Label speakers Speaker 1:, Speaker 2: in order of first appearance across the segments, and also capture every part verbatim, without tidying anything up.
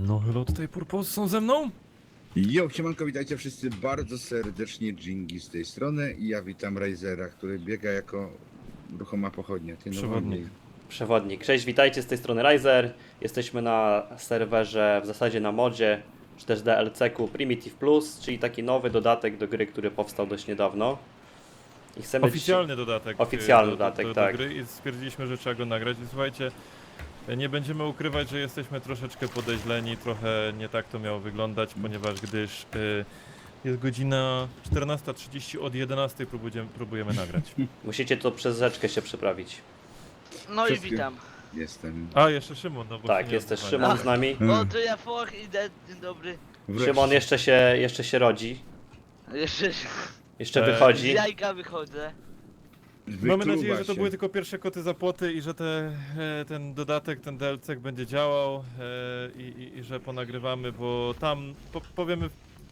Speaker 1: No hello, tutaj Purpose są ze mną?
Speaker 2: Jo, siemanko, witajcie wszyscy bardzo serdecznie, Dżingi z tej strony i ja witam Razera, który biega jako ruchoma pochodnia. Ty, no
Speaker 1: Przewodnik.
Speaker 2: wolniej.
Speaker 3: Przewodnik. Cześć, witajcie, z tej strony Riser. Jesteśmy na serwerze, w zasadzie na modzie, czy też D L C-ku Primitive Plus, czyli taki nowy dodatek do gry, który powstał dość niedawno. I chcemy
Speaker 1: Oficjalny dodatek.
Speaker 3: Oficjalny
Speaker 1: do,
Speaker 3: dodatek,
Speaker 1: do, do,
Speaker 3: tak.
Speaker 1: do gry i stwierdziliśmy, że trzeba go nagrać. I słuchajcie, nie będziemy ukrywać, że jesteśmy troszeczkę podejrzeni, trochę nie tak to miało wyglądać, ponieważ gdyż y, jest godzina czternasta trzydzieści, od jedenastej próbujemy, próbujemy nagrać.
Speaker 3: Musicie to przez rzeczkę się przeprawić.
Speaker 4: No i
Speaker 2: Wszystkie.
Speaker 4: witam.
Speaker 2: Jestem.
Speaker 1: A, jeszcze Szymon, no bo
Speaker 3: Tak,
Speaker 1: się nie
Speaker 3: jest też
Speaker 1: odzywali.
Speaker 3: Szymon z nami.
Speaker 2: Mm.
Speaker 4: O, to ja Foch idę, dzień dobry.
Speaker 2: Wreszcie.
Speaker 3: Szymon jeszcze się, jeszcze się rodzi,
Speaker 4: Jeszcze
Speaker 3: jeszcze
Speaker 1: E,
Speaker 4: z
Speaker 3: wychodzi.
Speaker 4: jajka wychodzę.
Speaker 2: Wykluwa
Speaker 1: Mamy nadzieję, że to
Speaker 2: się.
Speaker 1: były tylko pierwsze koty za płoty i że te, e, ten dodatek, ten D L C będzie działał e, i, i, i że ponagrywamy, bo tam po, powiemy,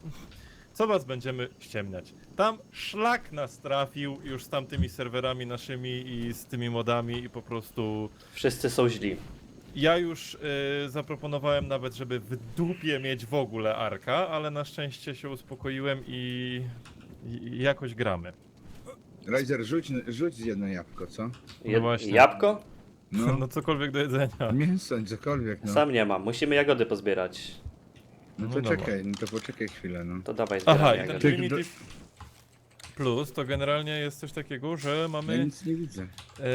Speaker 1: co was będziemy ściemniać. Tam szlak nas trafił już z tamtymi serwerami naszymi i z tymi modami i po prostu
Speaker 3: Wszyscy są źli.
Speaker 1: ja już e, zaproponowałem nawet, żeby w dupie mieć w ogóle Arka, ale na szczęście się uspokoiłem i, i, i jakoś gramy.
Speaker 2: Razer, rzuć, rzuć jedno jabłko, co?
Speaker 3: Je,
Speaker 1: właśnie.
Speaker 3: jabłko?
Speaker 2: No,
Speaker 1: No cokolwiek do jedzenia.
Speaker 2: mięso, cokolwiek, no.
Speaker 3: Sam nie mam, musimy jagody pozbierać.
Speaker 2: No
Speaker 1: No
Speaker 2: to
Speaker 1: dobra.
Speaker 2: czekaj, no to poczekaj chwilę, no.
Speaker 3: To dawaj
Speaker 1: Aha,
Speaker 3: zbieramy
Speaker 1: i ten
Speaker 3: jagody.
Speaker 2: Ty-
Speaker 1: Primitive Plus to generalnie jest coś takiego, że
Speaker 2: Ja
Speaker 1: mamy
Speaker 2: nic nie widzę.
Speaker 1: e,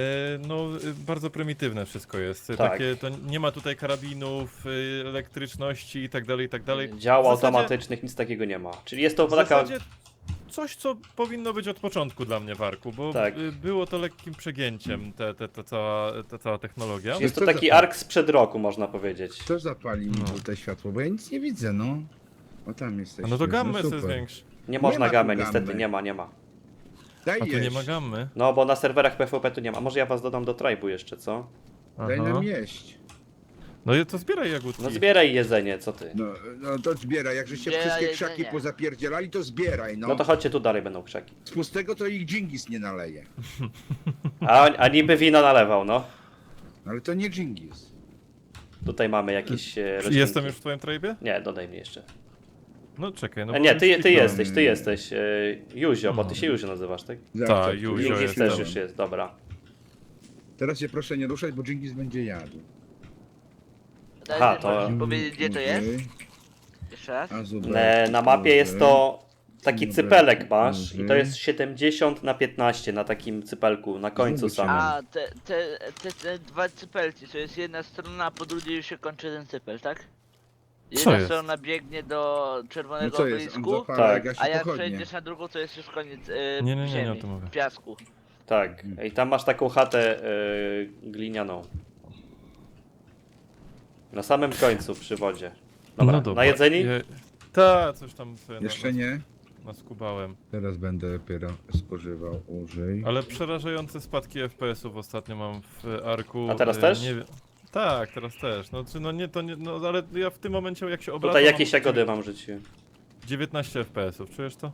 Speaker 1: no e, bardzo prymitywne wszystko jest.
Speaker 3: Tak.
Speaker 1: Takie, to nie ma tutaj karabinów, e, elektryczności i tak dalej, i tak dalej.
Speaker 3: Dział
Speaker 1: W zasadzie-
Speaker 3: automatycznych, nic takiego nie ma. Czyli jest to
Speaker 1: W
Speaker 3: taka...
Speaker 1: zasadzie coś, co powinno być od początku dla mnie w Arku, bo
Speaker 3: Tak.
Speaker 1: e, było to lekkim przegięciem, te, te, ta, cała, ta cała technologia.
Speaker 3: Jest to
Speaker 2: Co
Speaker 3: taki
Speaker 2: za-
Speaker 3: ark sprzed roku, można powiedzieć.
Speaker 2: Kto zapali mi
Speaker 1: No.
Speaker 2: tutaj światło, bo ja nic nie widzę, no. O, tam jesteś.
Speaker 1: A no to gammę
Speaker 2: no,
Speaker 1: sobie
Speaker 2: super.
Speaker 1: zwiększ.
Speaker 3: Nie można
Speaker 2: ma tu
Speaker 3: gamy,
Speaker 2: gamy.
Speaker 3: niestety, nie ma, nie ma.
Speaker 2: Daj
Speaker 1: A tu nie
Speaker 2: jeść.
Speaker 1: ma gammy.
Speaker 3: No, bo na serwerach PvP tu nie ma. A może ja was dodam do tribu jeszcze, co?
Speaker 2: Daj
Speaker 1: Aha.
Speaker 2: nam jeść.
Speaker 1: No i to zbieraj jagódki.
Speaker 3: No zbieraj jedzenie, co ty?
Speaker 2: No, no to zbieraj, jak żeście
Speaker 4: Zbieraj
Speaker 2: wszystkie
Speaker 4: jedzenie.
Speaker 2: krzaki pozapierdzielali, to zbieraj, no.
Speaker 3: No to chodźcie, tu dalej będą krzaki.
Speaker 2: Z pustego to ich Dżingis nie naleje.
Speaker 3: A, a niby wino nalewał, no.
Speaker 2: Ale to nie Dżingis.
Speaker 3: Tutaj mamy jakieś e, roślinki.
Speaker 1: Jestem już w twoim trybie?
Speaker 3: Nie, dodaj mnie jeszcze.
Speaker 1: No czekaj, no
Speaker 3: A
Speaker 1: bo
Speaker 3: nie,
Speaker 1: już
Speaker 3: ty, ty
Speaker 1: kliknąłem.
Speaker 3: jesteś, ty jesteś. E, Juzio, bo ty się Juzio nazywasz, tak?
Speaker 2: Zawsze
Speaker 1: Tak, już,
Speaker 2: tu-
Speaker 1: już
Speaker 3: Jingis
Speaker 1: jest.
Speaker 3: też już jest, dobra.
Speaker 2: Teraz się proszę nie ruszać, bo Dżingis będzie jadł.
Speaker 4: Daj
Speaker 3: Aha,
Speaker 4: mi
Speaker 3: to-
Speaker 4: możesz powiedzieć, gdzie to jest?
Speaker 2: Okej.
Speaker 4: Jeszcze raz?
Speaker 2: A zubek,
Speaker 3: E, na mapie jest to taki
Speaker 2: Dobra.
Speaker 3: cypelek masz i to
Speaker 2: Mhm.
Speaker 3: jest siedemdziesiąt na piętnaście na takim cypelku, na końcu
Speaker 2: Znowu cię
Speaker 3: samym.
Speaker 4: A, te, te, te, te dwa cypelki, to jest jedna strona, a po drugiej już się kończy ten cypel, tak? Jedna
Speaker 1: jest?
Speaker 4: strona biegnie do
Speaker 2: No
Speaker 4: czerwonego
Speaker 2: co jest, on
Speaker 4: obelisku,
Speaker 2: zapala
Speaker 3: Tak.
Speaker 2: jak
Speaker 4: a jak
Speaker 2: pochodnie.
Speaker 4: przejdziesz na drugą, to jest już koniec e,
Speaker 1: Nie, nie, nie, nie
Speaker 4: ziemi,
Speaker 1: o tym mówię.
Speaker 4: piasku.
Speaker 3: Tak, i tam masz taką chatę e, glinianą. Na samym końcu przy wodzie. Dobra,
Speaker 1: No dobra.
Speaker 3: na jedzeni?
Speaker 1: Je... Ta, coś tam sobie
Speaker 2: Jeszcze
Speaker 1: na,
Speaker 2: nie?
Speaker 1: naskubałem.
Speaker 2: Teraz będę dopiero spożywał, użyj.
Speaker 1: Ale przerażające spadki F P S-ów ostatnio mam w Arku.
Speaker 3: A teraz
Speaker 1: e,
Speaker 3: też?
Speaker 1: Nie wiem. Tak, teraz też. No, czy no nie, to nie, no ale ja w tym momencie jak się obracam
Speaker 3: Tutaj jakieś
Speaker 1: mam
Speaker 3: jagody wam rzuciłem.
Speaker 1: dziewiętnaście F P S-ów, czujesz to?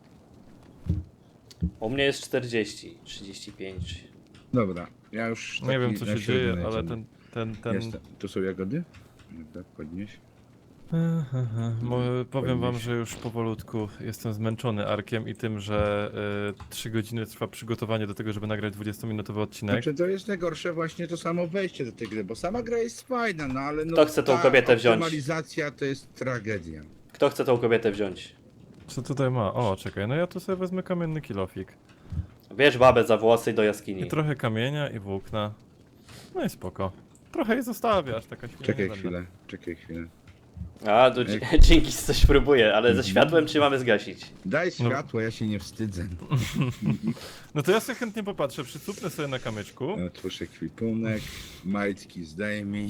Speaker 3: U mnie jest czterdzieści, trzydzieści pięć.
Speaker 2: Dobra, ja już
Speaker 1: Nie
Speaker 2: taki
Speaker 1: wiem co
Speaker 2: na
Speaker 1: się
Speaker 2: średnio
Speaker 1: dzieje,
Speaker 2: lecę.
Speaker 1: ale ten, ten, ten...
Speaker 2: Jest, tu są jagody? Dobra, podnieś.
Speaker 1: Mo, powiem wam,
Speaker 2: Podnieś.
Speaker 1: że już powolutku jestem zmęczony Arkiem i tym, że y, trzy godziny trwa przygotowanie do tego, żeby nagrać dwudziestominutowy odcinek.
Speaker 2: Znaczy to jest najgorsze właśnie to samo wejście do tej gry, bo sama gra jest fajna, no ale no
Speaker 3: Kto chce tą
Speaker 2: ta
Speaker 3: kobietę wziąć?
Speaker 2: optymalizacja to jest tragedia.
Speaker 3: Kto chce tą kobietę wziąć?
Speaker 1: Co tutaj ma? O, czekaj, no ja tu sobie wezmę kamienny kilofik.
Speaker 3: Bierz babę za włosy i do jaskini.
Speaker 1: I trochę kamienia i włókna. No i spoko. Trochę jej zostawiasz, taka chwila.
Speaker 2: Czekaj
Speaker 1: nie będę.
Speaker 2: chwilę, czekaj chwilę.
Speaker 3: A, tu dzięki coś próbuję, ale ze światłem czy mamy zgasić?
Speaker 2: Daj światło, ja się nie wstydzę.
Speaker 1: No to ja sobie chętnie popatrzę, przycupnę sobie na kamyczku.
Speaker 2: Otwórz ekwipunek, majtki zdejmij.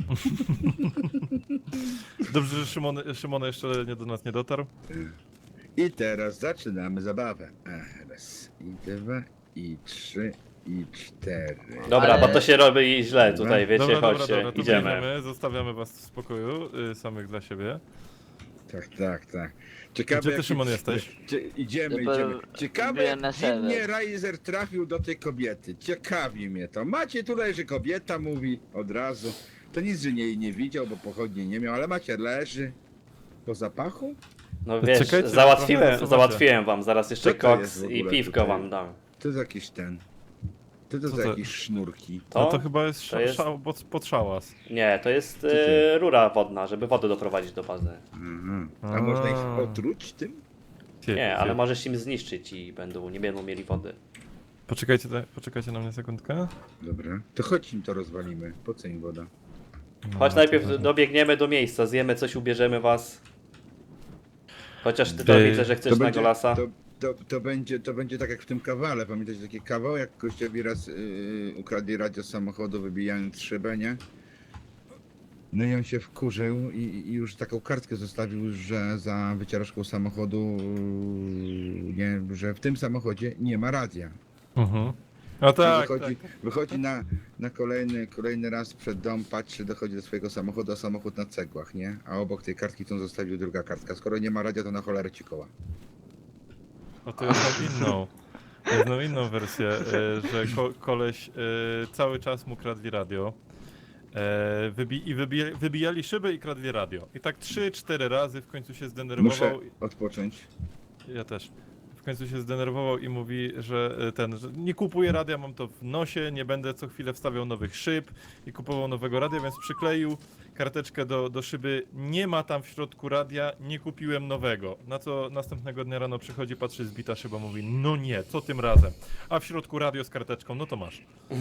Speaker 1: Dobrze, że Szymon, Szymon jeszcze nie do nas nie dotarł.
Speaker 2: I teraz zaczynamy zabawę. Ach, raz, i dwa, i trzy, i cztery.
Speaker 3: Dobra,
Speaker 4: Ale-
Speaker 3: bo to się robi źle tutaj, wiecie,
Speaker 1: dobra, dobra,
Speaker 3: chodźcie,
Speaker 1: dobra, to
Speaker 3: idziemy.
Speaker 1: biegniemy, zostawiamy was w spokoju, y, samych dla siebie.
Speaker 2: Tak, tak, tak. Ciekawe,
Speaker 1: Gdzie ty,
Speaker 2: jaki-
Speaker 1: Szymon, jesteś?
Speaker 2: Cie, idziemy,
Speaker 4: Dopiero
Speaker 2: idziemy. Ciekawe,
Speaker 4: wbiłem na
Speaker 2: jak dziwnie
Speaker 4: serwer.
Speaker 2: Riser trafił do tej kobiety. Ciekawi mnie to. Macie tutaj, że kobieta mówi od razu. To nic, że nie, nie widział, bo pochodni nie miał, ale Macie leży. Po zapachu?
Speaker 3: No
Speaker 1: To
Speaker 3: wiesz,
Speaker 1: czekajcie, trochę
Speaker 3: załatwiłem,
Speaker 1: zasuwacie.
Speaker 3: załatwiłem wam, zaraz jeszcze
Speaker 2: Co to jest
Speaker 3: koks
Speaker 2: w
Speaker 3: i
Speaker 2: ogóle
Speaker 3: piwko
Speaker 2: tutaj?
Speaker 3: wam dam.
Speaker 2: To jest jakiś ten. To to
Speaker 1: Co
Speaker 2: za
Speaker 1: to-
Speaker 2: jakieś sznurki.
Speaker 3: To?
Speaker 1: No to chyba jest,
Speaker 3: To
Speaker 1: sza,
Speaker 3: jest-
Speaker 1: Szał, pod, pod szałas.
Speaker 3: Nie, to jest
Speaker 2: ty?
Speaker 3: e, rura wodna, żeby wodę doprowadzić do bazy.
Speaker 2: Aha. A
Speaker 1: A.
Speaker 2: można ich otruć tym?
Speaker 1: Cie,
Speaker 3: Nie,
Speaker 1: cie.
Speaker 3: ale możesz im zniszczyć i będą, nie będą mieli wody.
Speaker 1: Poczekajcie, te- poczekajcie na mnie sekundkę.
Speaker 2: Dobra. To chodź im to rozwalimy. Po co im woda?
Speaker 1: No,
Speaker 3: Chodź
Speaker 1: to
Speaker 3: najpierw
Speaker 1: dobra.
Speaker 3: dobiegniemy do miejsca, zjemy coś, ubierzemy was. Chociaż ty
Speaker 1: Ty-
Speaker 3: to widzę, że chcesz
Speaker 2: to
Speaker 3: na
Speaker 2: będzie,
Speaker 3: golasa.
Speaker 2: to, to, to, będzie, to będzie tak jak w tym kawale. Pamiętacie taki kawał, jak gościowi raz yy, ukradli radio z samochodu, wybijając szybę, nie? No i on się wkurzył i, i już taką kartkę zostawił, że za wycieraczką samochodu, yy, nie, że w tym samochodzie nie ma radia.
Speaker 1: Mhm. No
Speaker 2: I
Speaker 1: tak,
Speaker 2: wychodzi,
Speaker 1: tak.
Speaker 2: wychodzi na, na kolejny, kolejny raz przed dom, patrzy, dochodzi do swojego samochodu, a samochód na cegłach, nie? A obok tej kartki, którą zostawił, druga kartka. Skoro nie ma radia, to na cholerę ci koła.
Speaker 1: No to ja znam inną. Ja znam inną wersję, e, że ko koleś e, cały czas mu kradli radio. E, wybi I wybija wybijali szybę i kradli radio. I tak trzy cztery razy w końcu się
Speaker 2: Muszę
Speaker 1: zdenerwował.
Speaker 2: odpocząć.
Speaker 1: Ja też. W końcu się zdenerwował i mówi, że e, ten, że nie kupuję radia, mam to w nosie, nie będę co chwilę wstawiał nowych szyb i kupował nowego radia, więc przykleił karteczkę do, do szyby, nie ma tam w środku radia, nie kupiłem nowego. Na co następnego dnia rano przychodzi, patrzy, zbita szyba, mówi, no nie, co tym razem? A w środku radio z karteczką, no to masz.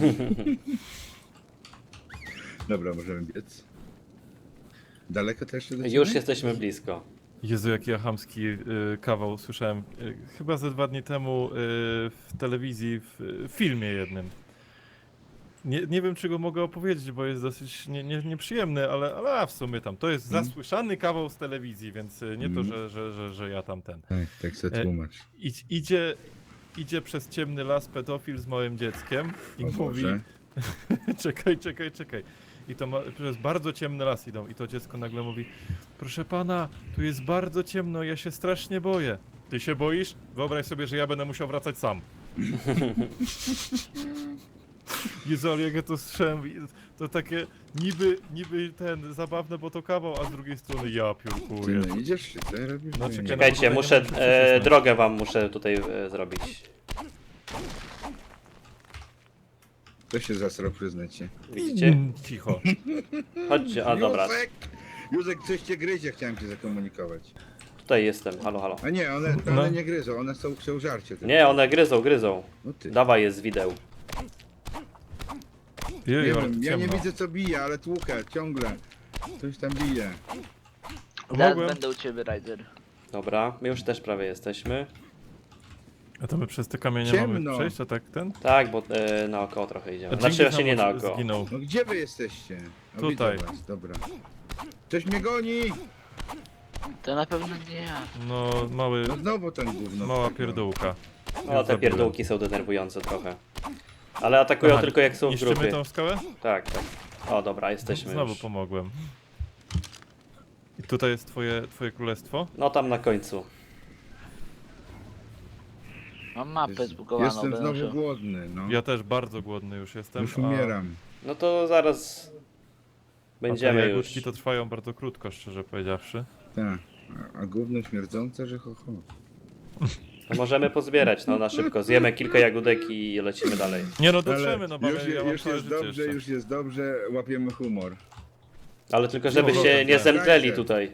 Speaker 2: Dobra, możemy biec. Daleko to jeszcze do ciebie?
Speaker 3: Już jesteśmy blisko.
Speaker 1: Jezu, jaki ja chamski y, kawał słyszałem, y, chyba ze dwa dni temu y, w telewizji, w y, filmie jednym. Nie, nie wiem, czy go mogę opowiedzieć, bo jest dosyć nie, nie, nieprzyjemny, ale, ale a w sumie tam, to jest
Speaker 2: Mm.
Speaker 1: zasłyszany kawał z telewizji, więc y, nie to,
Speaker 2: Mm.
Speaker 1: że, że, że, że ja tam ten.
Speaker 2: Tak, tak se
Speaker 1: E,
Speaker 2: tłumacz.
Speaker 1: Idź, idzie, idzie przez ciemny las pedofil z małym dzieckiem i
Speaker 2: O
Speaker 1: mówi,
Speaker 2: Boże.
Speaker 1: czekaj, czekaj, czekaj. I to ma, przez bardzo ciemny las idą i to dziecko nagle mówi, proszę pana, tu jest bardzo ciemno, ja się strasznie boję. Ty się boisz? Wyobraź sobie, że ja będę musiał wracać sam. Jezu, ale jak ja to słyszałem, i to takie niby, niby ten zabawne, bo to kawał, a z drugiej strony ja
Speaker 2: Ty
Speaker 1: piórkuję.
Speaker 2: no idziesz czy co robisz?
Speaker 1: No,
Speaker 2: Nie,
Speaker 1: czekaj,
Speaker 2: nie.
Speaker 3: Czekajcie,
Speaker 1: tutaj nie
Speaker 3: muszę,
Speaker 1: możesz
Speaker 3: e,
Speaker 1: przycisnąć.
Speaker 3: drogę wam muszę tutaj e, zrobić.
Speaker 2: To się zasrał, przyznać się.
Speaker 3: Widzicie?
Speaker 1: Mm, Cicho.
Speaker 3: Chodźcie, a dobra,
Speaker 2: Józek! Józek, coś cię gryzie, chciałem cię zakomunikować.
Speaker 3: tutaj jestem, halo, halo.
Speaker 2: A nie, one,
Speaker 1: No.
Speaker 2: one nie gryzą, one są, chcą żarcie. tylko.
Speaker 3: Nie, one gryzą, gryzą.
Speaker 2: No ty.
Speaker 3: Dawaj je z wideł.
Speaker 2: Nie
Speaker 1: Jeju, ale
Speaker 2: wiem, ja nie
Speaker 1: ciemno.
Speaker 2: widzę co bije, ale tłukę, ciągle. Coś tam bije.
Speaker 4: Zaraz
Speaker 1: Mogłem?
Speaker 4: będę u ciebie, Ryder.
Speaker 3: Dobra, my już też prawie jesteśmy.
Speaker 1: A to my przez te kamienie
Speaker 2: Ciemno.
Speaker 1: mamy przejść, a tak ten?
Speaker 3: Tak, bo e, naokoło trochę idziemy.
Speaker 1: A
Speaker 3: Znaczy
Speaker 1: Dżingis
Speaker 3: właśnie nie
Speaker 1: nam
Speaker 3: naokoło.
Speaker 1: zginął.
Speaker 2: No gdzie wy jesteście? O,
Speaker 1: Tutaj.
Speaker 2: Widzę was, dobra. Coś mnie goni!
Speaker 4: To na pewno nie ja.
Speaker 1: No, mały,
Speaker 2: No znowu ten gówno.
Speaker 1: mała pierdółka.
Speaker 3: No te pierdółki są denerwujące trochę. Ale atakują
Speaker 1: Aha,
Speaker 3: tylko jak są w
Speaker 1: niszczymy
Speaker 3: grupie.
Speaker 1: tą skałę?
Speaker 3: Tak, tak. O dobra, jesteśmy
Speaker 1: Znowu
Speaker 3: już.
Speaker 1: pomogłem. I tutaj jest twoje, twoje królestwo?
Speaker 3: No tam na końcu.
Speaker 4: Mam mapę
Speaker 2: Jest-
Speaker 4: zbugowaną,
Speaker 2: Jestem
Speaker 4: będę
Speaker 2: znowu
Speaker 4: musiał...
Speaker 2: głodny, no.
Speaker 1: Ja też bardzo głodny już jestem.
Speaker 2: Już
Speaker 1: a-
Speaker 2: umieram.
Speaker 3: No to zaraz
Speaker 1: A
Speaker 3: będziemy
Speaker 1: te
Speaker 3: już.
Speaker 1: jagódki to trwają bardzo krótko, szczerze powiedziawszy.
Speaker 2: Tak. A, a gówno śmierdzące, że ho, ho.
Speaker 3: To możemy pozbierać, no na szybko. Zjemy kilka jagódek i lecimy dalej.
Speaker 1: Nie no,
Speaker 2: Ale
Speaker 1: dotrzemy, no bo
Speaker 2: już,
Speaker 1: ja, ja mam
Speaker 2: już
Speaker 1: całe
Speaker 2: jest
Speaker 1: życie
Speaker 2: dobrze,
Speaker 1: jeszcze.
Speaker 2: już jest dobrze, łapiemy humor.
Speaker 3: Ale tylko
Speaker 1: No,
Speaker 3: żebyście
Speaker 1: dobra,
Speaker 3: nie
Speaker 1: tak.
Speaker 3: zemdleli tutaj.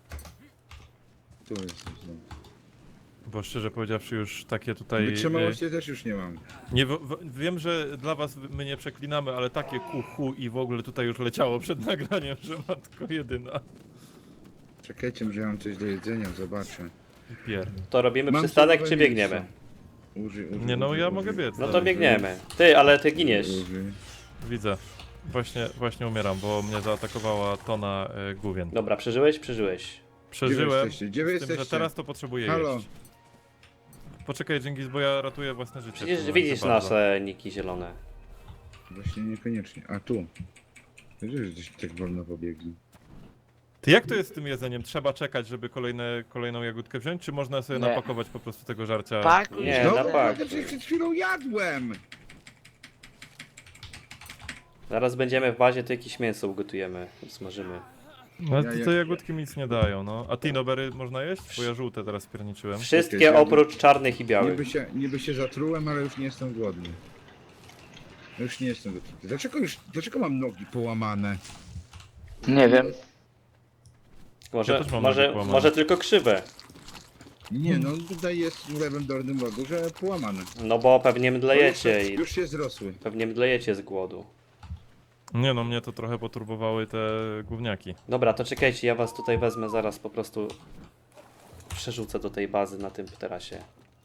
Speaker 2: Tu jest. No.
Speaker 1: Bo szczerze powiedziawszy już takie tutaj...
Speaker 2: Wytrzymałości też już nie mam.
Speaker 1: e, Nie, w, w, wiem, że dla was my nie przeklinamy, ale takie kuchu i w ogóle tutaj już leciało przed nagraniem, że matko jedyna.
Speaker 2: Czekajcie, może ja mam coś do jedzenia, zobaczę.
Speaker 1: Pier.
Speaker 3: To robimy
Speaker 2: Mam
Speaker 3: przystanek
Speaker 2: surowe
Speaker 3: czy biegniemy?
Speaker 2: mięso. Uży, uży,
Speaker 1: Nie no,
Speaker 2: uży,
Speaker 1: ja
Speaker 2: uży.
Speaker 1: mogę biec.
Speaker 3: No to
Speaker 1: dalej.
Speaker 3: biegniemy. Ty, ale ty giniesz.
Speaker 2: Uży.
Speaker 1: Widzę. Właśnie, właśnie umieram, bo mnie zaatakowała tona e, główien.
Speaker 3: Dobra, przeżyłeś? Przeżyłeś.
Speaker 1: Przeżyłem,
Speaker 2: jesteście? Gdzie wy
Speaker 1: z tym, że
Speaker 2: jesteście?
Speaker 1: teraz to potrzebuję
Speaker 2: Halo?
Speaker 1: jeść. Poczekaj, Dżingis, bo ja ratuję własne życie.
Speaker 3: Przecież
Speaker 1: tu,
Speaker 3: widzisz
Speaker 1: za bardzo.
Speaker 3: nasze niki zielone.
Speaker 2: Właśnie niekoniecznie. A tu. Wiesz, że gdzieś tak wolno pobiegli.
Speaker 1: Ty jak to jest z tym jedzeniem? Trzeba czekać, żeby kolejne, kolejną jagódkę wziąć, czy można sobie
Speaker 4: Nie.
Speaker 1: napakować po prostu tego żarcia?
Speaker 4: Pakuj
Speaker 3: Nie,
Speaker 4: się.
Speaker 3: na
Speaker 2: No,
Speaker 3: pak.
Speaker 2: ja przecież przed chwilą jadłem!
Speaker 3: Zaraz będziemy w bazie, to jakieś mięso ugotujemy, smażymy.
Speaker 1: No
Speaker 2: Ja-
Speaker 1: to
Speaker 2: ja-
Speaker 1: te jagódki mi nic nie dają, no. A tinobery można jeść? Bo ja żółte teraz pierniczyłem.
Speaker 3: Wszystkie oprócz czarnych i białych.
Speaker 2: Niby się, niby się zatrułem, ale już nie jestem głodny. Już nie jestem głodny. Dlaczego już, dlaczego mam nogi połamane?
Speaker 4: Nie wiem.
Speaker 3: Może,
Speaker 1: Ja też mam
Speaker 3: może,
Speaker 1: nogi połamane.
Speaker 3: może tylko krzywe.
Speaker 2: Nie no, tutaj jest w lewym dolnym rogu, że połamane.
Speaker 3: No bo pewnie mdlejecie
Speaker 2: już,
Speaker 3: i
Speaker 2: już się zrosły.
Speaker 3: pewnie mdlejecie z głodu.
Speaker 1: Nie no, mnie to trochę poturbowały te gówniaki.
Speaker 3: Dobra, to czekajcie, ja was tutaj wezmę zaraz po prostu przerzucę do tej bazy na tym terasie.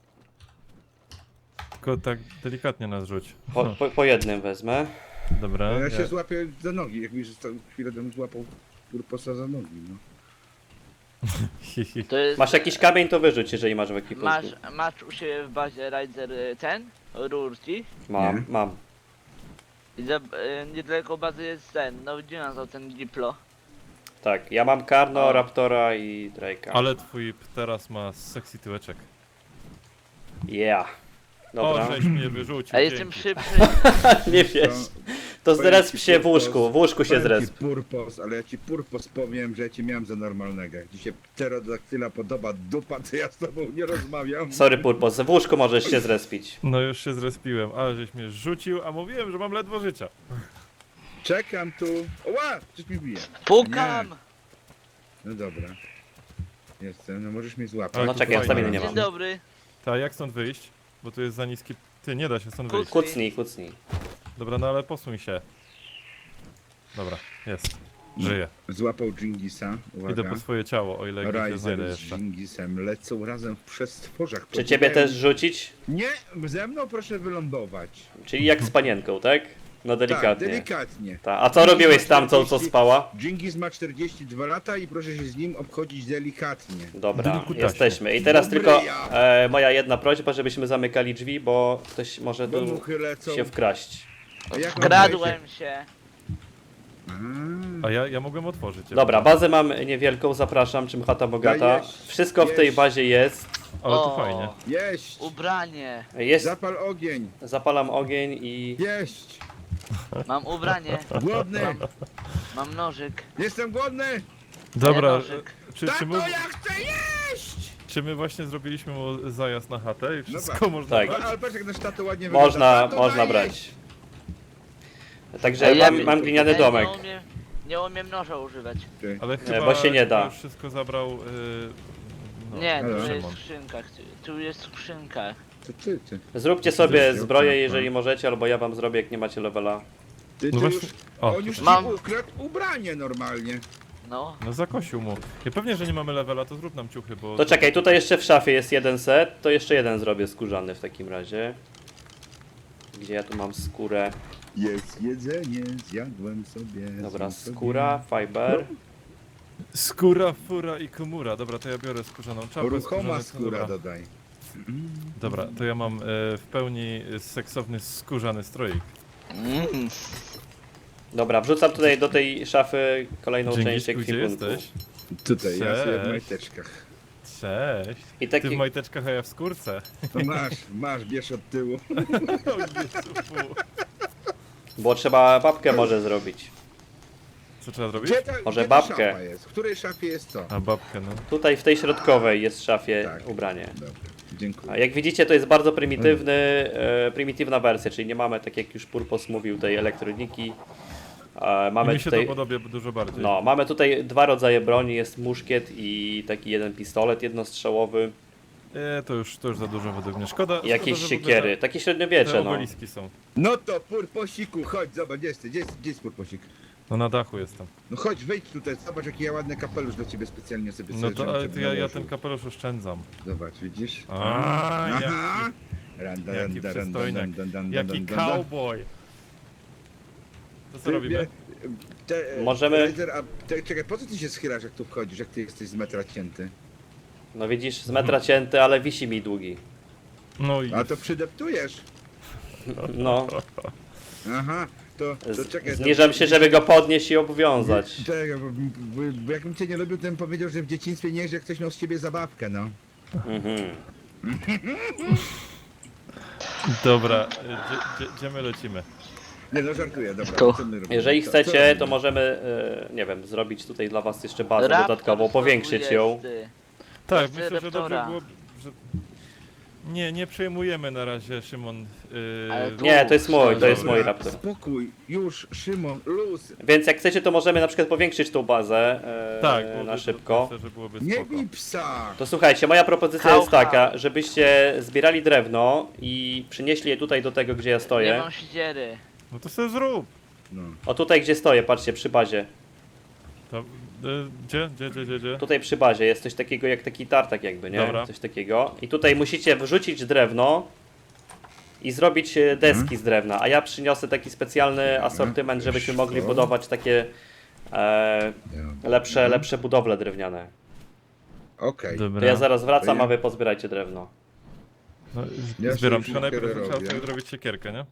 Speaker 1: Tylko tak delikatnie nas rzuć.
Speaker 3: Po, po, po jednym wezmę.
Speaker 1: Dobra.
Speaker 2: Ja się złapię za nogi, jak mi został chwilę temu złapał purposa za nogi, no.
Speaker 1: Hi, hi.
Speaker 4: To jest...
Speaker 3: Masz jakiś kamień, to wyrzuć, jeżeli masz w ekwipunku.
Speaker 4: Masz, masz u siebie w bazie Rider y, ten? Rurki?
Speaker 3: Mam,
Speaker 2: Nie.
Speaker 3: mam.
Speaker 4: I za, y, niedaleko bazy jest ten, no gdzie nazwał ten Diplo?
Speaker 3: Tak, ja mam Karno,
Speaker 4: O.
Speaker 3: Raptora i Drake'a.
Speaker 1: Ale twój teraz ma sexy tyłeczek.
Speaker 3: Yeah.
Speaker 1: O,
Speaker 3: Dobra.
Speaker 1: żeś mnie wyrzucił.
Speaker 4: A jestem
Speaker 1: dzięki.
Speaker 4: szybszy.
Speaker 3: Nie wiesz. To
Speaker 2: powiem
Speaker 3: zresp
Speaker 2: ci,
Speaker 3: się w
Speaker 2: Purpos-
Speaker 3: łóżku, w łóżku się
Speaker 2: powiem ci
Speaker 3: zresp.
Speaker 2: Purpos, ale ja ci purpos powiem, że ja cię miałem za normalnego. Jak ci się pterodaktyla podoba dupa, to ja z tobą nie rozmawiam.
Speaker 3: Sorry Purpos, w łóżku możesz się zrespić.
Speaker 1: No już się zrespiłem, ale żeś mnie rzucił, a mówiłem, że mam ledwo życia.
Speaker 2: Czekam tu. Oła! Coś mi bije.
Speaker 4: Pukam!
Speaker 2: No dobra. Jestem, no możesz mnie złapać.
Speaker 1: Ale
Speaker 3: No
Speaker 1: tu
Speaker 3: czekaj, ja
Speaker 1: fajnie.
Speaker 3: staminy nie
Speaker 4: Dzień
Speaker 3: mam.
Speaker 4: dobry.
Speaker 1: Ta, jak stąd wyjść? Bo tu jest za niski... Ty, nie da się stąd wyjść.
Speaker 3: Kucnij, kucnij.
Speaker 1: Dobra, no ale posuń się. Dobra, jest. Żyję.
Speaker 2: Złapał Dżingisa. Uwaga.
Speaker 1: Idę po swoje ciało, o ile gdzieś się znajdę
Speaker 2: Riser z
Speaker 1: jeszcze.
Speaker 2: Dżingisem lecą razem w przestworzach.
Speaker 3: Czy ciebie też rzucić?
Speaker 2: Nie, ze mną proszę wylądować.
Speaker 3: Czyli jak z panienką, tak? No
Speaker 2: Tak,
Speaker 3: delikatnie.
Speaker 2: delikatnie.
Speaker 3: Ta. A co robiłeś z tamtą, co spała?
Speaker 2: Dżingis ma czterdzieści dwa lata i proszę się z nim obchodzić delikatnie.
Speaker 3: Dobra,
Speaker 1: Delikutaśnie.
Speaker 3: jesteśmy. I teraz
Speaker 2: Dobry
Speaker 3: tylko
Speaker 2: ja.
Speaker 3: e, moja jedna prośba, żebyśmy zamykali drzwi, bo ktoś może
Speaker 2: Bo
Speaker 3: tu
Speaker 2: muchy lecą.
Speaker 3: się wkraść.
Speaker 2: A jak mam wejść?
Speaker 4: Kradłem się.
Speaker 2: A,
Speaker 1: A ja, ja mogłem otworzyć.
Speaker 3: Dobra, bazę mam niewielką, zapraszam, czym chata bogata.
Speaker 2: jeść,
Speaker 3: Wszystko w tej
Speaker 2: jeść.
Speaker 3: bazie jest.
Speaker 1: Ale to
Speaker 4: O,
Speaker 1: fajnie.
Speaker 2: Jeść!
Speaker 4: Ubranie.
Speaker 3: Jest,
Speaker 2: Zapal ogień!
Speaker 3: zapalam ogień i...
Speaker 2: Jeść!
Speaker 4: Mam ubranie.
Speaker 2: Głodny!
Speaker 4: Mam nożyk.
Speaker 2: Jestem głodny!
Speaker 1: Dobra,
Speaker 4: nożyk.
Speaker 1: czy, czy,
Speaker 2: Tato,
Speaker 1: my,
Speaker 2: ja chcę jeść!
Speaker 1: czy my właśnie zrobiliśmy mu zajazd na chatę i wszystko
Speaker 2: tak.
Speaker 1: można
Speaker 3: Tak.
Speaker 2: No,
Speaker 1: brać?
Speaker 2: ale patrz jak nasz tato ładnie
Speaker 3: Można,
Speaker 2: wygląda. Tato,
Speaker 3: można
Speaker 2: daj
Speaker 3: brać.
Speaker 2: jeść.
Speaker 3: Także
Speaker 4: Ej, ja
Speaker 3: mam,
Speaker 4: bym-
Speaker 3: mam gliniany
Speaker 4: Ej,
Speaker 3: domek.
Speaker 4: Nie umiem, nie umiem noża używać.
Speaker 2: Ty.
Speaker 1: Ale chyba
Speaker 3: bo się nie da.
Speaker 1: już wszystko zabrał... Yy, no,
Speaker 4: Nie, tu
Speaker 2: Halo.
Speaker 4: jest
Speaker 1: Szymon.
Speaker 4: skrzynka. Tu jest skrzynka.
Speaker 2: To ty, ty.
Speaker 3: Zróbcie sobie
Speaker 2: Zresztą,
Speaker 3: zbroję,
Speaker 2: tak,
Speaker 3: jeżeli
Speaker 2: tak.
Speaker 3: możecie, albo ja wam zrobię, jak nie macie levela.
Speaker 2: Ty,
Speaker 1: No
Speaker 2: ty
Speaker 1: właśnie-
Speaker 2: już,
Speaker 1: o,
Speaker 2: on już ci
Speaker 4: Mam.
Speaker 2: ukradł ubranie normalnie.
Speaker 4: No.
Speaker 1: No zakosił mu. Ja pewnie, że nie mamy levela, to zrób nam ciuchy, bo...
Speaker 3: To czekaj, tutaj jeszcze w szafie jest jeden set, to jeszcze jeden zrobię skórzany w takim razie. Gdzie ja tu mam skórę?
Speaker 2: Jest jedzenie, zjadłem sobie.
Speaker 3: Dobra,
Speaker 2: zjem sobie.
Speaker 3: skóra, fiber.
Speaker 1: Skóra, fura i komura. Dobra, to ja biorę skórzaną czapkę.
Speaker 2: Ruchoma
Speaker 1: skórzany-
Speaker 2: skóra
Speaker 1: Dobra.
Speaker 2: dodaj.
Speaker 1: Dobra, to ja mam e, w pełni seksowny skórzany stroik.
Speaker 4: Mm.
Speaker 3: Dobra, wrzucam tutaj do tej szafy kolejną część
Speaker 1: Dzięki, gdzie
Speaker 3: ekwipunku.
Speaker 1: jesteś?
Speaker 2: Tutaj, ja sobie w
Speaker 1: Cześć.
Speaker 2: majteczkach.
Speaker 1: Cześć.
Speaker 3: I
Speaker 1: Ty
Speaker 3: taki...
Speaker 1: w majteczkach, a ja w skórce.
Speaker 2: No masz, masz, bierz od tyłu.
Speaker 1: O Jezu, fu.
Speaker 3: Bo trzeba babkę może zrobić.
Speaker 1: Co trzeba zrobić?
Speaker 2: Gdzie ta,
Speaker 3: Może
Speaker 2: gdzie ta
Speaker 3: babkę.
Speaker 2: szafa jest? W której szafie jest co?
Speaker 1: A babkę, no.
Speaker 3: Tutaj w tej środkowej jest w szafie
Speaker 2: Tak.
Speaker 3: ubranie.
Speaker 2: Dobra, dziękuję.
Speaker 3: A jak widzicie, to jest bardzo prymitywny, e, prymitywna wersja, czyli nie mamy, tak jak już Purpos mówił, tej elektroniki. E,
Speaker 1: I
Speaker 3: mamy
Speaker 1: mi się
Speaker 3: tutaj,
Speaker 1: to podoba dużo bardziej.
Speaker 3: no, mamy tutaj dwa rodzaje broni, jest muszkiet i taki jeden pistolet jednostrzałowy
Speaker 1: E, to już, to już za dużo według mnie. Szkoda,
Speaker 3: i jakieś
Speaker 1: szkoda, że w ogóle
Speaker 3: siekiery, takie
Speaker 1: Te, te
Speaker 3: średniowiecze, no.
Speaker 1: obeliski są.
Speaker 2: No to purposiku, chodź, zobacz, gdzie jest, gdzie jest, gdzie jest purposik?
Speaker 1: No na dachu jestem.
Speaker 2: No chodź, wejdź tutaj, zobacz jaki ja ładny kapelusz dla ciebie specjalnie sobie
Speaker 1: No
Speaker 2: sobie
Speaker 1: to
Speaker 2: żebym
Speaker 1: ale
Speaker 2: ciebie
Speaker 1: to ja, ja
Speaker 2: nałożył.
Speaker 1: ten kapelusz oszczędzam.
Speaker 2: Zobacz, widzisz?
Speaker 1: A,
Speaker 2: Aha!
Speaker 1: jaki,
Speaker 2: Randa,
Speaker 1: jaki
Speaker 2: randa, randa,
Speaker 1: przystojniak.
Speaker 2: randa, randa,
Speaker 1: jaki
Speaker 2: randa, randa.
Speaker 1: cowboy. To co
Speaker 2: Ty
Speaker 1: robimy?
Speaker 2: wie- Te,
Speaker 3: Możemy-
Speaker 2: Razer, a te, czekaj, po co ty się schylasz jak tu wchodzisz, jak ty jesteś z metra cięty?
Speaker 3: No widzisz, z metra cięty, ale wisi mi długi.
Speaker 1: No i
Speaker 2: A to przydeptujesz.
Speaker 3: No,
Speaker 2: Aha, to, to
Speaker 3: z,
Speaker 2: czekaj.
Speaker 3: zniżam
Speaker 2: to,
Speaker 3: się, żeby go podnieść i obwiązać.
Speaker 2: Czekaj, bo, bo, bo jakbym cię nie lubił, to bym powiedział, że w dzieciństwie nie, że ktoś miał z ciebie zabawkę, no.
Speaker 3: Mhm.
Speaker 1: dobra, e, gdzie, gdzie, gdzie my lecimy?
Speaker 2: Nie no, żartuję, dobra.
Speaker 4: Tu.
Speaker 2: Co my robimy?
Speaker 3: Jeżeli
Speaker 2: Co- co
Speaker 3: chcecie,
Speaker 2: robimy?
Speaker 3: to możemy, e, nie wiem, zrobić tutaj dla was jeszcze bazę
Speaker 4: Raptor
Speaker 3: dodatkową, powiększyć ją.
Speaker 4: dwudziesty.
Speaker 1: Tak,
Speaker 4: Chcę
Speaker 1: myślę, że dobrze
Speaker 4: Raptora.
Speaker 1: było, że... Nie, nie przejmujemy na razie, Szymon. Yy...
Speaker 4: Ale tu-
Speaker 3: Nie, to jest mój, to jest
Speaker 2: Dobra,
Speaker 3: mój raptor.
Speaker 2: Spokój, już, Szymon, luz.
Speaker 3: Więc jak chcecie, to możemy na przykład powiększyć tą bazę e,
Speaker 1: Tak,
Speaker 3: na
Speaker 1: byłoby-
Speaker 3: szybko.
Speaker 1: Myślę, że byłoby
Speaker 2: Nie
Speaker 1: spoko.
Speaker 2: bij psa.
Speaker 3: To słuchajcie, moja propozycja
Speaker 4: Hał,
Speaker 3: jest taka,
Speaker 4: hał.
Speaker 3: żebyście zbierali drewno i przynieśli je tutaj do tego, gdzie ja
Speaker 4: Nie
Speaker 3: stoję.
Speaker 4: mam siedziery.
Speaker 1: No to sobie zrób.
Speaker 2: No.
Speaker 3: O tutaj, gdzie stoję, patrzcie, przy bazie.
Speaker 1: To, y, gdzie, gdzie, gdzie, gdzie, gdzie?
Speaker 3: Tutaj przy bazie jest coś takiego jak taki tartak jakby, nie?
Speaker 1: Dobra.
Speaker 3: Coś takiego. I tutaj musicie wrzucić drewno i zrobić e, deski
Speaker 2: Mhm.
Speaker 3: z drewna, a ja przyniosę taki specjalny asortyment, żebyśmy mogli
Speaker 2: Co?
Speaker 3: budować takie e,
Speaker 2: Ja.
Speaker 3: lepsze,
Speaker 2: Mhm.
Speaker 3: lepsze budowle drewniane.
Speaker 2: Okej.
Speaker 1: Dobra.
Speaker 3: To ja zaraz wracam,
Speaker 2: To ja-
Speaker 3: a wy pozbierajcie drewno.
Speaker 1: No,
Speaker 2: Ja
Speaker 1: zbieram,
Speaker 2: sobie
Speaker 1: tylko najpierw
Speaker 2: siekierę
Speaker 1: trzeba
Speaker 2: robię.
Speaker 1: sobie zrobić siekierkę, nie?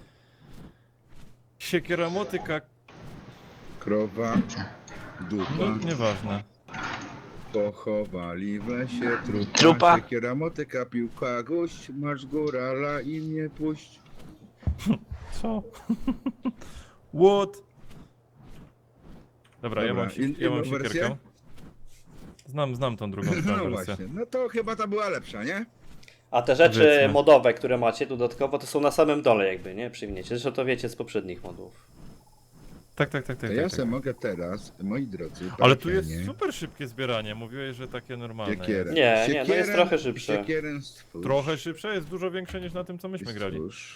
Speaker 1: Siekiera motyka,
Speaker 2: Krowa, dupa,
Speaker 1: no nieważne.
Speaker 2: pochowali w lesie trupa.
Speaker 4: Trupa.
Speaker 2: Siekiera, motyka, piłka, gość, masz górala i mnie puść.
Speaker 1: Co? What? Dobra, ja
Speaker 2: Dobra,
Speaker 1: mam, si-
Speaker 2: in-
Speaker 1: ja mam
Speaker 2: inną wersję?
Speaker 1: siekierkę. Znam, znam tą drugą
Speaker 2: No
Speaker 1: wersję.
Speaker 2: właśnie, no to chyba ta była lepsza, nie?
Speaker 3: A te rzeczy
Speaker 1: Powiedzmy.
Speaker 3: modowe, które macie dodatkowo, to są na samym dole jakby, nie? Przywiniecie. Zresztą to wiecie z poprzednich modów.
Speaker 1: Tak, tak, tak,
Speaker 2: To
Speaker 1: tak.
Speaker 2: ja
Speaker 1: tak,
Speaker 2: sobie
Speaker 1: tak.
Speaker 2: mogę teraz, moi drodzy,
Speaker 1: Ale tu jest
Speaker 2: parkienie,
Speaker 1: super szybkie zbieranie, mówiłeś, że takie normalne
Speaker 2: siekierę.
Speaker 1: jest.
Speaker 3: Nie, nie, no jest
Speaker 2: Siekierę-
Speaker 3: trochę szybsze.
Speaker 2: Siekierę stwórz.
Speaker 1: Trochę szybsze, jest dużo większe niż na tym, co myśmy grali.
Speaker 2: Stwórz.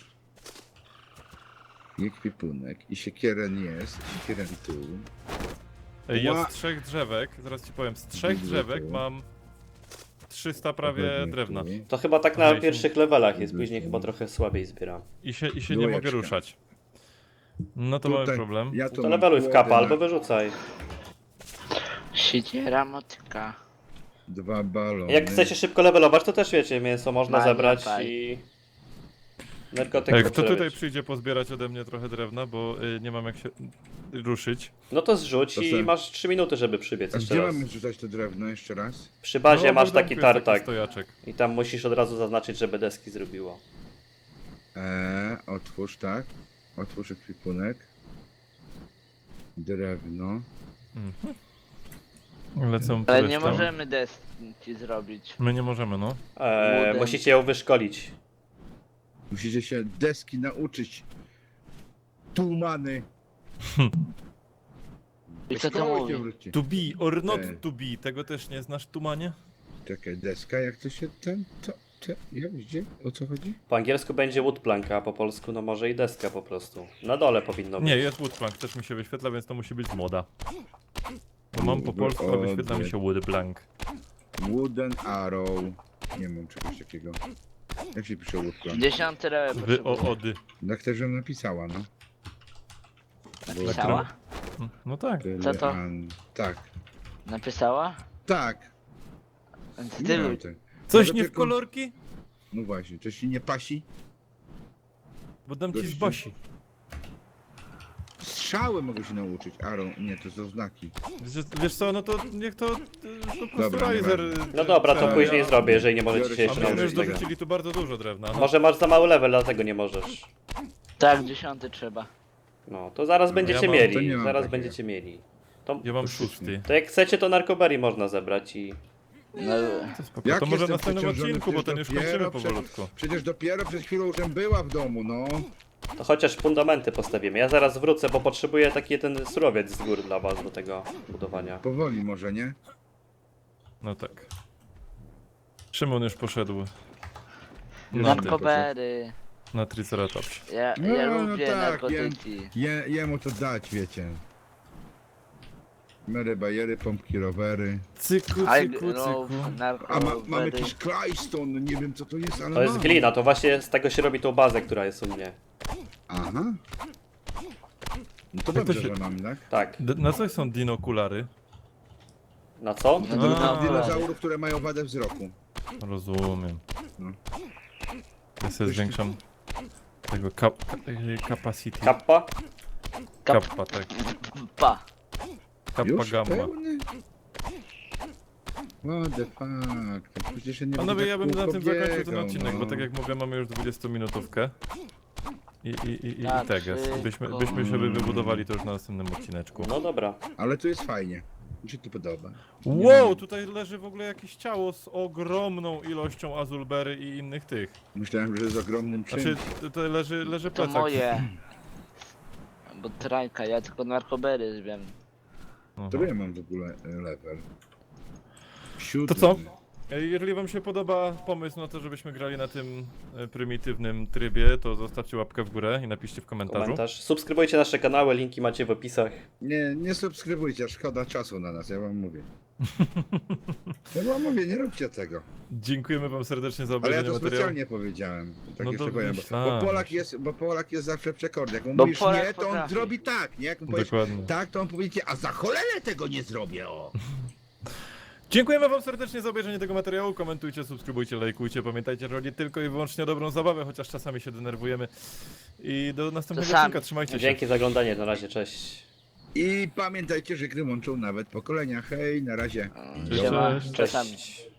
Speaker 2: I kwipunek. I siekierę jest, siekierę tu.
Speaker 1: Ej, Ja
Speaker 2: Ła-
Speaker 1: z trzech drzewek, zaraz ci powiem, z trzech
Speaker 2: Widzę
Speaker 1: drzewek
Speaker 2: tu.
Speaker 1: mam trzysta prawie
Speaker 2: Pewnie
Speaker 1: drewna.
Speaker 2: tu.
Speaker 3: To chyba tak na
Speaker 1: Aha, i są-
Speaker 3: pierwszych levelach jest,
Speaker 2: Widzę,
Speaker 3: później
Speaker 2: są-
Speaker 3: chyba trochę słabiej zbieram.
Speaker 1: I się, i się nie mogę
Speaker 2: Dwójeczka.
Speaker 1: ruszać. No to mamy
Speaker 2: Tutaj
Speaker 1: problem.
Speaker 2: Ja tu
Speaker 3: To
Speaker 2: mam
Speaker 3: leveluj w
Speaker 2: kłody
Speaker 3: kapa
Speaker 2: na
Speaker 3: albo wyrzucaj.
Speaker 4: Siedziera motyka.
Speaker 2: Dwa balony.
Speaker 3: Jak chcecie szybko levelować, to też wiecie, mięso można
Speaker 4: Magia,
Speaker 3: zebrać
Speaker 4: faj.
Speaker 3: i... Narkotyk
Speaker 1: Ej, kto tutaj
Speaker 3: przerobić.
Speaker 1: przyjdzie pozbierać ode mnie trochę drewna, bo y, nie mam jak się ruszyć.
Speaker 3: No to zrzuć
Speaker 2: To
Speaker 3: i
Speaker 2: se-
Speaker 3: masz trzy minuty, żeby przybiec
Speaker 2: A
Speaker 3: jeszcze
Speaker 2: gdzie
Speaker 3: raz.
Speaker 2: mamy wrzucać to drewno jeszcze raz?
Speaker 3: Przy bazie
Speaker 1: No,
Speaker 3: masz
Speaker 1: w
Speaker 3: taki
Speaker 1: domku jest
Speaker 3: tartak
Speaker 1: stojaczek.
Speaker 3: i tam musisz od razu zaznaczyć, żeby deski zrobiło.
Speaker 2: Eee, otwórz, tak. Otwórz ekwipunek. Drewno.
Speaker 1: Mhm. Lecą
Speaker 4: Ale
Speaker 1: resztą.
Speaker 4: nie możemy deski zrobić.
Speaker 1: My nie możemy, no.
Speaker 3: Eee,
Speaker 4: Wooden.
Speaker 3: musicie ją wyszkolić.
Speaker 2: Musicie się deski nauczyć. Tumany.
Speaker 4: I co to
Speaker 2: Szkoły
Speaker 4: mówi?
Speaker 2: się wróci.
Speaker 1: To be or not
Speaker 2: Ej.
Speaker 1: to be, tego też nie znasz, Tumanie?
Speaker 2: Czekaj, deska, jak to się ten, to, to, jak, gdzie, o co chodzi?
Speaker 3: Po angielsku będzie woodplanka, a po polsku no może i deska po prostu. Na dole powinno być.
Speaker 1: Nie, jest woodplank, też mi się wyświetla, więc to musi być moda. Bo mam po
Speaker 2: Wood-
Speaker 1: polsku, a wyświetla mi
Speaker 2: ody.
Speaker 1: się woodplank.
Speaker 2: Wooden arrow. Nie mam czegoś takiego. Jak się pisze woodplan?
Speaker 4: Dziesiąty level
Speaker 1: Wy o
Speaker 4: potrzebuję.
Speaker 1: ody.
Speaker 2: Tak też żebym napisała, no.
Speaker 4: Napisała?
Speaker 1: No tak.
Speaker 4: Co to?
Speaker 2: An- Tak.
Speaker 4: Napisała?
Speaker 2: Tak.
Speaker 4: Więc
Speaker 2: Nie
Speaker 4: ty
Speaker 2: mam
Speaker 4: luj.
Speaker 2: te-
Speaker 1: Coś
Speaker 2: Może
Speaker 1: nie w
Speaker 2: tylko-
Speaker 1: kolorki?
Speaker 2: No właśnie, coś ci nie pasi?
Speaker 1: Bo dam ci z
Speaker 2: Gościu.
Speaker 1: Basi.
Speaker 2: Strzały mogę się nauczyć. Arrow, nie, to są znaki.
Speaker 1: Wiesz, wiesz co, no to niech to, to po prostu
Speaker 2: Dobra,
Speaker 1: Riser...
Speaker 2: nieważne.
Speaker 3: No dobra, to
Speaker 1: tak,
Speaker 3: później
Speaker 1: ja-
Speaker 3: zrobię, jeżeli nie możecie
Speaker 2: Biorę
Speaker 3: się
Speaker 2: się
Speaker 1: A
Speaker 3: jeszcze
Speaker 2: do
Speaker 1: myśmy już
Speaker 3: nauczyć tego.
Speaker 1: dorzucili tu bardzo dużo drewna. No.
Speaker 3: Może masz za mały level, dlatego nie możesz.
Speaker 4: Tak, dziesiąty trzeba.
Speaker 3: No, to zaraz
Speaker 2: No,
Speaker 3: będziecie
Speaker 1: ja mam-
Speaker 2: to
Speaker 3: mieli,
Speaker 2: nie mam
Speaker 3: zaraz
Speaker 2: takiego.
Speaker 3: będziecie mieli. To,
Speaker 1: Ja mam
Speaker 2: To
Speaker 1: szósty.
Speaker 3: to jak chcecie, to narkoberry można zebrać i...
Speaker 4: No,
Speaker 1: To spoko.
Speaker 2: Jak
Speaker 1: To może w
Speaker 2: jestem
Speaker 1: następnym
Speaker 2: przeciążony,
Speaker 1: odcinku, bo
Speaker 2: przecież
Speaker 1: ten już
Speaker 2: dopiero
Speaker 1: kończymy
Speaker 2: przed-
Speaker 1: powolutku.
Speaker 2: Przecież dopiero przed chwilą już była w domu, no.
Speaker 3: To chociaż fundamenty postawimy. Ja zaraz wrócę, bo potrzebuję taki ten surowiec z gór dla was do tego budowania.
Speaker 2: Powoli może, nie?
Speaker 1: No tak. Szymon już poszedł na, tym,
Speaker 4: narkobery.
Speaker 1: na Triceratops.
Speaker 4: Ja,
Speaker 2: No,
Speaker 4: ja
Speaker 2: no
Speaker 4: lubię
Speaker 2: tak,
Speaker 4: narkotyki.
Speaker 2: Je, jemu to dać, wiecie. Mery, bajery, pompki, rowery.
Speaker 1: Cyku,
Speaker 4: Ale
Speaker 1: cyku,
Speaker 4: no,
Speaker 1: cyku.
Speaker 2: A ma, mam
Speaker 4: narkobery.
Speaker 2: jakiś Clyston, no nie wiem co to jest, ale
Speaker 3: To jest
Speaker 2: mam.
Speaker 3: glina, to właśnie z tego się robi tą bazę, która jest u mnie.
Speaker 2: Aha. No to
Speaker 1: Jak to
Speaker 2: dobrze,
Speaker 1: się-
Speaker 2: że mam, tak?
Speaker 3: Tak.
Speaker 1: D- na coś są dinokulary?
Speaker 3: Na co?
Speaker 4: No,
Speaker 2: Do,
Speaker 1: A.
Speaker 2: do dinozaurów, które mają wadę wzroku.
Speaker 1: Rozumiem.
Speaker 2: No.
Speaker 1: Ja sobie zwiększam tego kap e, capacity.
Speaker 3: Kappa?
Speaker 1: Kappa, tak.
Speaker 4: Pa.
Speaker 1: Kappa
Speaker 2: Już
Speaker 1: gamma.
Speaker 2: pełny? What the fuck? To przecież ja nie
Speaker 1: Panowie,
Speaker 2: będę
Speaker 1: ja bym
Speaker 2: tak
Speaker 1: na tym
Speaker 2: kółko
Speaker 1: zakończył ten
Speaker 2: biegał,
Speaker 1: odcinek, bo
Speaker 2: no.
Speaker 1: tak jak mówię, mamy już dwudziestominutówkę. i, i, i, i
Speaker 4: Na
Speaker 1: teges.
Speaker 4: trzy,
Speaker 1: Byśmy,
Speaker 4: ko-
Speaker 1: byśmy sobie wybudowali to już na następnym odcineczku.
Speaker 3: No dobra.
Speaker 2: Ale tu jest fajnie. Mi się to podoba.
Speaker 1: Wow, tutaj leży w ogóle jakieś ciało z ogromną ilością azulbery i innych tych.
Speaker 2: Myślałem, że z ogromnym czymś.
Speaker 1: Znaczy, tutaj leży, leży
Speaker 4: To
Speaker 1: plecak.
Speaker 4: moje. Bo trajka, ja tylko narkobery wiem.
Speaker 1: Aha.
Speaker 2: To ja mam w ogóle e, level. Siódmy.
Speaker 1: To co? Ej, Jeżeli wam się podoba pomysł na to, żebyśmy grali na tym e, prymitywnym trybie, to zostawcie łapkę w górę i napiszcie w komentarzu.
Speaker 3: Komentarz. Subskrybujcie nasze kanały, linki macie w opisach.
Speaker 2: Nie, nie subskrybujcie, szkoda czasu na nas, ja wam mówię. Ja wam mówię, nie róbcie tego.
Speaker 1: Dziękujemy wam serdecznie za
Speaker 2: Ale ja
Speaker 1: obejrzenie
Speaker 2: to
Speaker 1: materiału.
Speaker 2: specjalnie powiedziałem. Tak
Speaker 1: No
Speaker 2: jeszcze
Speaker 1: to
Speaker 2: powiem, bo,
Speaker 1: myślałem.
Speaker 2: bo, Polak jest, bo Polak jest zawsze przekorny. Jak mu
Speaker 4: Bo
Speaker 2: mówisz
Speaker 4: Polak
Speaker 2: nie, to on
Speaker 4: potrafi.
Speaker 2: zrobi tak, nie? Jak mu powiesz
Speaker 1: Dokładnie.
Speaker 2: tak, to on powie ci, a za cholerę tego nie zrobię, o!
Speaker 1: Dziękujemy wam serdecznie za obejrzenie tego materiału. Komentujcie, subskrybujcie, lajkujcie. Pamiętajcie, że chodzi tylko i wyłącznie o dobrą zabawę, chociaż czasami się denerwujemy. I do następnego
Speaker 4: Czasami.
Speaker 1: odcinka. Trzymajcie się.
Speaker 3: Dzięki za oglądanie, na razie, cześć.
Speaker 2: I pamiętajcie, że gry łączą nawet pokolenia. Hej, na razie.
Speaker 1: Cześć,
Speaker 4: Siema,
Speaker 1: cześć.
Speaker 4: czasami.
Speaker 3: Cześć.